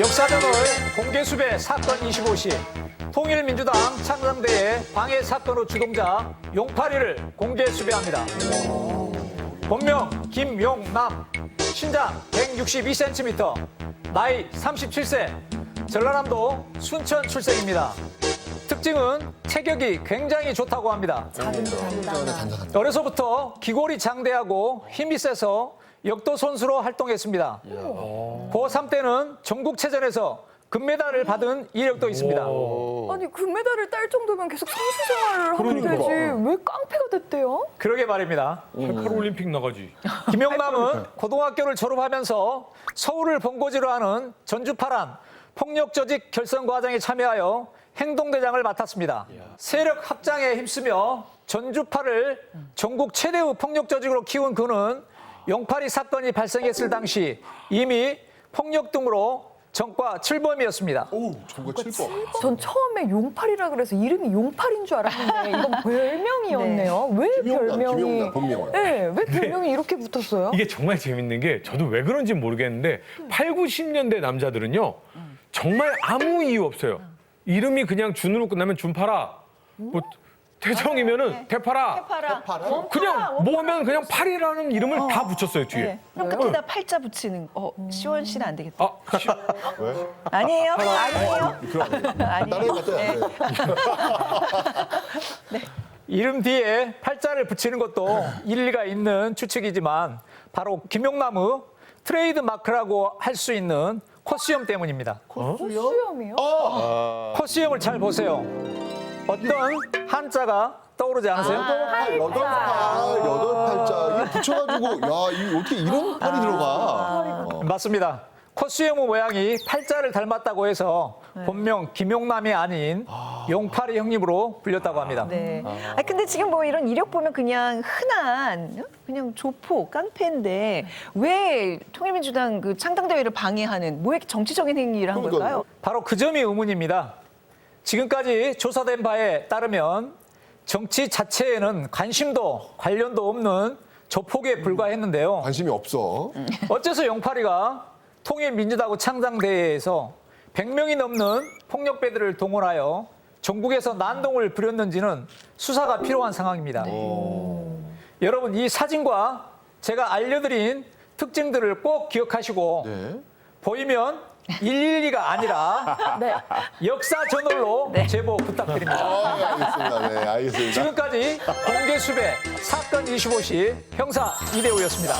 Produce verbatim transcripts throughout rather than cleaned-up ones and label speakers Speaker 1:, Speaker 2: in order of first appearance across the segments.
Speaker 1: 역사전을 공개수배 사건 이십오 시 통일민주당 창당대회 방해 사건의 주동자 용팔이를 공개수배합니다. 본명 김용남, 신장 백육십이 센티미터, 나이 삼십칠 세, 전라남도 순천 출생입니다. 특징은 체격이 굉장히 좋다고 합니다. 어려서부터 기골이 장대하고 힘이 세서 역도 선수로 활동했습니다. 고삼 때는 전국체전에서 금메달을 받은 이력도 있습니다.
Speaker 2: 아니 금메달을 딸 정도면 계속 선수 생활을 하면
Speaker 3: 그러니까.
Speaker 2: 되지 왜 깡패가 됐대요?
Speaker 1: 그러게 말입니다.
Speaker 3: 팔팔올림픽 나가지.
Speaker 1: 김용남은 고등학교를 졸업하면서 서울을 본고지로 하는 전주파란 폭력조직 결성과정에 참여하여 행동대장을 맡았습니다. 세력 확장에 힘쓰며 전주파를 전국 최대의 폭력조직으로 키운 그는 용팔이 사건이 발생했을 당시 이미 폭력 등으로 전과 칠범이었습니다.
Speaker 4: 오, 전과 칠범.
Speaker 2: 전 처음에 용팔이라 그래서 이름이 용팔인 줄 알았는데 이건 별명이었네요. 왜
Speaker 4: 김용남,
Speaker 2: 별명이?
Speaker 4: 김용남, 본명은.
Speaker 2: 네, 왜 별명이 이렇게 붙었어요?
Speaker 3: 이게 정말 재밌는 게 저도 왜 그런지 모르겠는데 팔, 구십 년대 남자들은요. 정말 아무 이유 없어요. 이름이 그냥 준으로 끝나면 준파라. 뭐 태정이면은 태파라.
Speaker 5: 해파라.
Speaker 3: 그냥 뭐 하면 그냥 팔이라는 이름을 다 붙였어요, 뒤에.
Speaker 5: 네. 그럼 끝에다 팔자 붙이는 거. 어, 시원 씨는 안 되겠다.
Speaker 3: 아, 시-
Speaker 4: 왜?
Speaker 5: 아니에요? 아니에요?
Speaker 4: 그럼
Speaker 5: 아니에요.
Speaker 4: 다른 것 같아요. 네.
Speaker 1: 이름 뒤에 팔자를 붙이는 것도 일리가 있는 추측이지만 바로 김용남의 트레이드 마크라고 할 수 있는 코스염 때문입니다.
Speaker 2: 수염이요?
Speaker 1: 코스염을 잘 보세요. 어떤 한자가 떠오르지 않으세요?
Speaker 4: 팔, 여덟 팔, 여덟 팔자 이게 붙여가지고 야, 이 어떻게 이런 팔이 들어가? 어.
Speaker 1: 맞습니다. 코스염의 모양이 팔자를 닮았다고 해서 본명 김용남이 아닌 용팔이 형님으로 불렸다고 합니다.
Speaker 5: 네. 아 근데 지금 뭐 이런 이력 보면 그냥 흔한 그냥 조폭, 깡패인데 왜 통일민주당 그 창당대회를 방해하는 뭐 이렇게 정치적인 행위를 한
Speaker 4: 그러니까요.
Speaker 5: 걸까요?
Speaker 1: 바로 그 점이 의문입니다. 지금까지 조사된 바에 따르면 정치 자체에는 관심도 관련도 없는 조폭에 불과했는데요.
Speaker 4: 관심이 없어.
Speaker 1: 어째서 용팔이가 통일민주당 창당대회에서 백 명이 넘는 폭력배들을 동원하여 전국에서 난동을 부렸는지는 수사가 필요한 상황입니다. 여러분 이 사진과 제가 알려드린 특징들을 꼭 기억하시고
Speaker 4: 네.
Speaker 1: 보이면 일일이가 아니라
Speaker 2: 네.
Speaker 1: 역사 저널로 제보 부탁드립니다.
Speaker 4: 아, 알겠습니다. 네, 알겠습니다.
Speaker 1: 지금까지 공개 수배 사건 이십오 시 형사 이대호였습니다.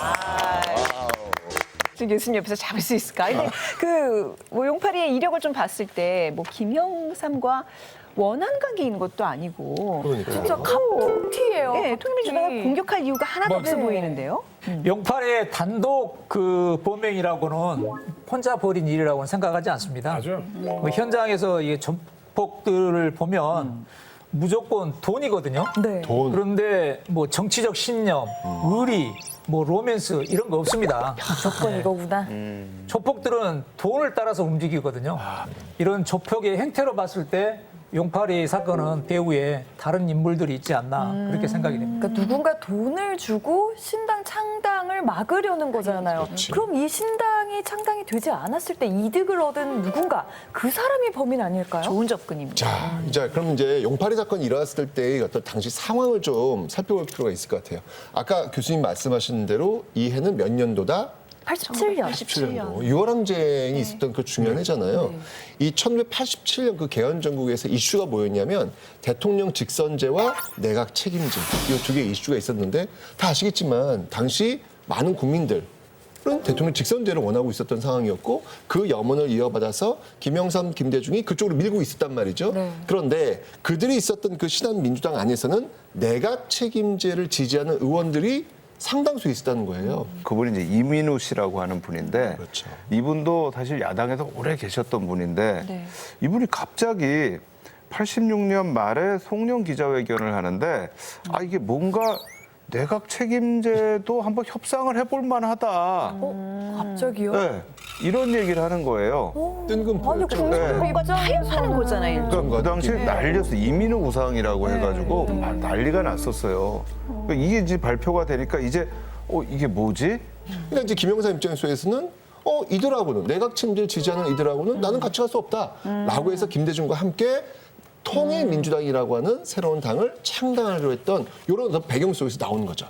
Speaker 5: 지금 교수님 옆에서 잡을 수 있을까? 근데 그뭐 용팔이의 이력을 좀 봤을 때 뭐 김영삼과 원한 관계 있는 것도 아니고
Speaker 4: 그러니까요.
Speaker 2: 진짜 갑툭튀예요.
Speaker 5: 네, 통일민주당을
Speaker 2: 갑툭튀.
Speaker 5: 공격할 이유가 하나도 없어
Speaker 2: 네.
Speaker 5: 보이는데요.
Speaker 1: 용팔의 단독 그 범행이라고는 혼자 벌인 일이라고는 생각하지 않습니다.
Speaker 3: 맞아요.
Speaker 1: 뭐 현장에서 이 전폭들을 보면 무조건 돈이거든요.
Speaker 2: 네.
Speaker 4: 돈.
Speaker 1: 그런데 뭐 정치적 신념, 의리, 뭐 로맨스 이런 거 없습니다.
Speaker 2: 조건 이거구나.
Speaker 1: 조폭들은 돈을 따라서 움직이거든요. 이런 조폭의 행태로 봤을 때 용팔이 사건은 배후에 다른 인물들이 있지 않나 그렇게 생각이 됩니다.
Speaker 2: 그러니까 누군가 돈을 주고 신당 창당을 막으려는 거잖아요. 그럼 이 신당이 창당이 되지 않았을 때 이득을 얻은 누군가 그 사람이 범인 아닐까요?
Speaker 5: 좋은 접근입니다.
Speaker 4: 자, 이제 그럼 이제 용팔이 사건이 일어났을 때의 어떤 당시 상황을 좀 살펴볼 필요가 있을 것 같아요. 아까 교수님 말씀하신 대로 이 해는 몇 년도다?
Speaker 2: 팔십칠 년.
Speaker 4: 팔십칠 년도. 유월 항쟁이 있었던 그 중요한 해잖아요. 이 천구백팔십칠 년 그 개헌 전국에서 이슈가 뭐였냐면 대통령 직선제와 내각 책임제 이 두 개의 이슈가 있었는데 다 아시겠지만 당시 많은 국민들 은 대통령 직선제를 원하고 있었던 상황이었고 그 염원을 이어받아서 김영삼, 김대중이 그쪽으로 밀고 있었단 말이죠.
Speaker 2: 네.
Speaker 4: 그런데 그들이 있었던 그 신한민주당 안에서는 내각 책임제를 지지하는 의원들이 상당수 있었다는 거예요.
Speaker 6: 그분이 이제 이민우 씨라고 하는 분인데
Speaker 4: 그렇죠.
Speaker 6: 이분도 사실 야당에서 오래 계셨던 분인데
Speaker 5: 네.
Speaker 6: 이분이 갑자기 팔십육 년 말에 송년 기자회견을 하는데 아 이게 뭔가 내각 책임제도 한번 협상을 해볼 만하다.
Speaker 2: 어? 갑자기요?
Speaker 6: 네, 이런 얘기를 하는 거예요.
Speaker 4: 뜬금포였죠.
Speaker 2: 국민들
Speaker 5: 뭔가 타협하는 거잖아요.
Speaker 6: 그러니까 그 당시에 난리였어. 이민우 우상이라고 해가지고 막 난리가 났었어요. 그러니까 이게 이제 발표가 되니까 이제 어 이게 뭐지?
Speaker 4: 그러니까 이제 김영삼 입장에서는 어 이들하고는 내각 책임제를 지지하는 이들하고는 나는 같이 갈 수 없다라고 해서 김대중과 함께 통일민주당이라고 하는 새로운 당을 창당하려 했던 이런 어떤 배경 속에서 나온 거죠.